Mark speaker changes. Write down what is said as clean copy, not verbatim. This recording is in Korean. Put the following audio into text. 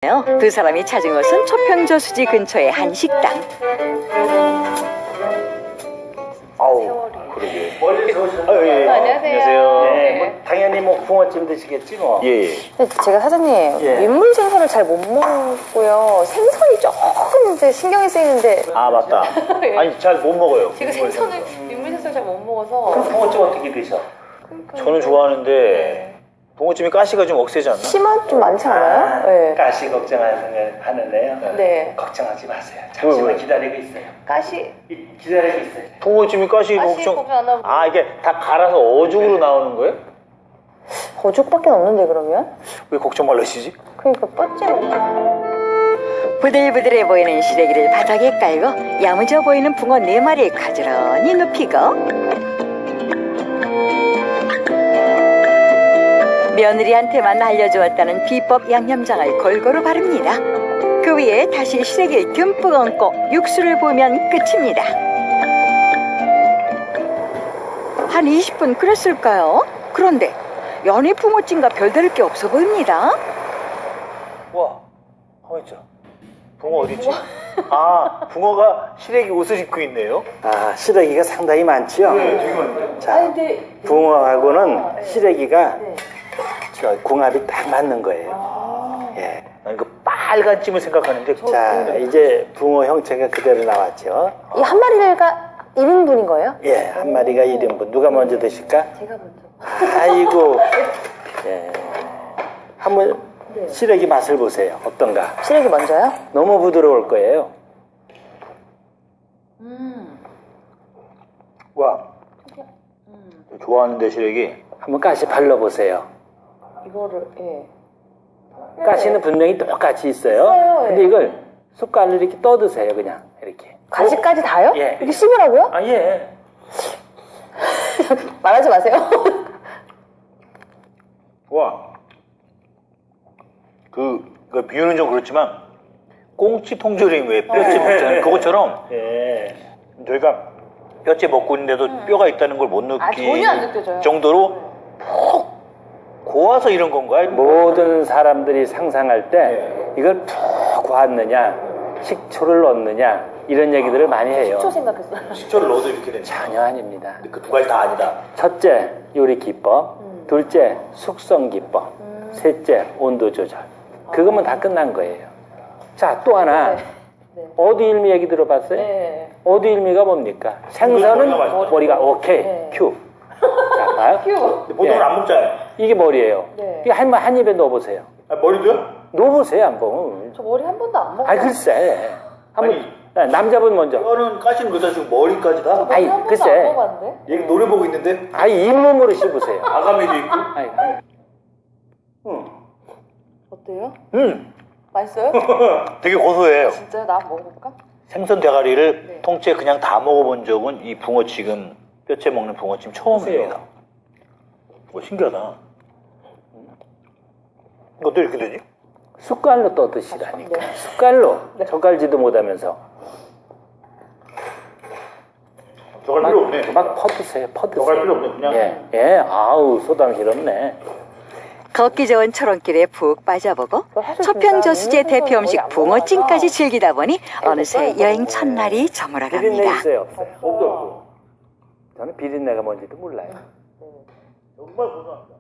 Speaker 1: 두 사람이 찾은 곳은 초평저수지 근처의 한 식당.
Speaker 2: 아우, 그러게.
Speaker 3: 멀리서 오셨어요.
Speaker 2: 예.
Speaker 1: 안녕하세요.
Speaker 3: 네, 뭐 당연히 뭐 붕어찜 드시겠지 뭐.
Speaker 2: 예, 예.
Speaker 4: 근데 제가 사장님
Speaker 3: 예.
Speaker 4: 민물 생선을 잘 못 먹고요. 생선이 조금 이제 신경이 쓰이는데
Speaker 2: 아, 맞다. 아니, 잘 못 먹어요.
Speaker 4: 제가 생선을 민물 생선을 잘 못 먹어서
Speaker 3: 그럼 붕어찜 어떻게 드셔?
Speaker 2: 저는 좋아하는데 붕어찜이 가시가 좀 억세지 않나?
Speaker 4: 심한 좀 많지 않아요? 네.
Speaker 3: 가시 걱정하는데요.
Speaker 4: 네.
Speaker 3: 걱정하지 마세요. 잠시만
Speaker 2: 왜?
Speaker 3: 기다리고 있어요.
Speaker 4: 가시
Speaker 3: 기다리고 있어요.
Speaker 2: 붕어찜이 가시
Speaker 4: 가시
Speaker 2: 걱정.
Speaker 4: 걱정 안 하고.
Speaker 2: 아, 이게 다 갈아서 어죽으로 나오는 거예요?
Speaker 4: 거죽밖에 없는데 그러면?
Speaker 2: 왜 걱정 말라시지?
Speaker 4: 그러니까 뻗지로.
Speaker 1: 부들부들해 보이는 시래기를 바닥에 깔고 야무져 보이는 붕어 4마리를 가지런히 눕히고 며느리한테만 알려주었다는 비법 양념장을 골고루 바릅니다. 그 위에 다시 시래기를 듬뿍 얹고 육수를 부으면 끝입니다. 한 20분 끓였을까요? 그런데 연이 붕어찜과 별다를 게 없어 보입니다.
Speaker 2: 와, 가만 있자. 붕어 어디 있지? 아, 붕어가 시래기 옷을 입고 있네요.
Speaker 3: 아, 시래기가 상당히 많지요?
Speaker 2: 네, 되게 많네요.
Speaker 3: 자, 붕어하고는 시래기가 저 궁합이 딱 맞는 거예요. 예.
Speaker 2: 난 그 빨간 찜을 생각하는데.
Speaker 3: 자, 이제 붕어 형체가 그대로 나왔죠?
Speaker 4: 이 한 마리가 1인분인 거예요?
Speaker 3: 예, 한 마리가 1인분. 누가 먼저 드실까?
Speaker 4: 제가 먼저.
Speaker 3: 아이고. 예. 한번 시래기 맛을 보세요. 어떤가?
Speaker 4: 시래기 먼저요?
Speaker 3: 너무 부드러울 거예요.
Speaker 2: 와, 좋아하는데 시래기.
Speaker 3: 한번 가시 발라보세요.
Speaker 4: 이거를 예.
Speaker 3: 가시는 분명히 똑같이 있어요.
Speaker 4: 있어요, 예.
Speaker 3: 근데 이걸 숟갈로 이렇게 떠드세요. 그냥 이렇게.
Speaker 4: 가시까지 다요?
Speaker 3: 예.
Speaker 4: 이렇게 씹으라고요?
Speaker 3: 아, 예.
Speaker 4: 말하지 마세요.
Speaker 2: 와, 그 비유는 좀 그렇지만 꽁치 통조림 왜 뼈째 먹잖아요. 그것처럼
Speaker 3: 예.
Speaker 2: 저희가 뼈째 먹고 있는데도 뼈가 있다는 걸 못
Speaker 4: 전혀 안 느껴져요.
Speaker 2: 느낄 정도로 푹 고와서 이런 건가요?
Speaker 3: 모든 사람들이 상상할 때 이걸 푹 고았느냐, 식초를 넣느냐 이런 얘기들을 많이 해요.
Speaker 4: 식초 생각했어요.
Speaker 2: 식초를 넣어도 이렇게 되는.
Speaker 3: 전혀 아닙니다.
Speaker 2: 그 두 가지 다 아니다.
Speaker 3: 첫째, 요리 기법. 둘째, 숙성 기법. 셋째, 온도 조절. 그거면 다 끝난 거예요. 자, 또 하나.
Speaker 4: 네.
Speaker 3: 어디일미 얘기 들어봤어요?
Speaker 4: 네.
Speaker 3: 어디일미가 뭡니까? 생선은
Speaker 2: 머리가 맛있죠.
Speaker 3: 머리가 오케이.
Speaker 4: 네.
Speaker 3: 큐. 자, 봐요.
Speaker 4: 큐.
Speaker 2: 보통은
Speaker 3: 예.
Speaker 2: 안 먹잖아요.
Speaker 3: 이게 머리예요.
Speaker 4: 네.
Speaker 3: 이거 한 입에 넣어보세요.
Speaker 2: 아, 머리도요?
Speaker 3: 넣어보세요, 한번.
Speaker 4: 저 머리 한 번도 안 먹어요.
Speaker 3: 아이, 글쎄. 한번,
Speaker 2: 아니,
Speaker 3: 남자분 먼저.
Speaker 2: 뼈는 까시는 거다 지금 머리까지 다.
Speaker 4: 머리
Speaker 3: 아이,
Speaker 4: 한 번도
Speaker 3: 글쎄.
Speaker 4: 안 먹어봤는데?
Speaker 2: 얘 노려보고 있는데
Speaker 3: 아이, 잇몸으로 씹으세요.
Speaker 2: 아가미도 있고.
Speaker 3: 아이,
Speaker 4: 어때요? 맛있어요?
Speaker 2: 되게 고소해요.
Speaker 4: 진짜요? 나 한번 먹어볼까?
Speaker 2: 생선 대가리를
Speaker 4: 네.
Speaker 2: 통째 그냥 다 먹어본 적은 이 붕어 지금 뼈째 먹는 붕어찜 처음입니다. 뭐 신기하다. 이것도 이렇게 되지?
Speaker 3: 숟갈로 떠드시라니까.
Speaker 4: 네.
Speaker 3: 숟갈로. 젓갈지도 못하면서.
Speaker 2: 저갈 필요 없네.
Speaker 3: 막 퍼드세요, 퍼드세요.
Speaker 2: 저갈 필요 없네. 그냥.
Speaker 3: 예, 아우, 소담스럽네.
Speaker 1: 걷기 좋은 초롱길에 푹 빠져보고
Speaker 4: 사실
Speaker 1: 초평저수지의
Speaker 4: 진짜
Speaker 1: 대표 음식
Speaker 4: 거의 안
Speaker 1: 붕어찜까지
Speaker 4: 먹어서.
Speaker 1: 즐기다 보니 어느새
Speaker 4: 먹어요.
Speaker 1: 여행 첫날이 저물어갑니다.
Speaker 3: 비린내 있어요, 없어요?
Speaker 2: 없도 없고.
Speaker 3: 저는 비린내가 뭔지도 몰라요.
Speaker 2: 정말 고소합니다.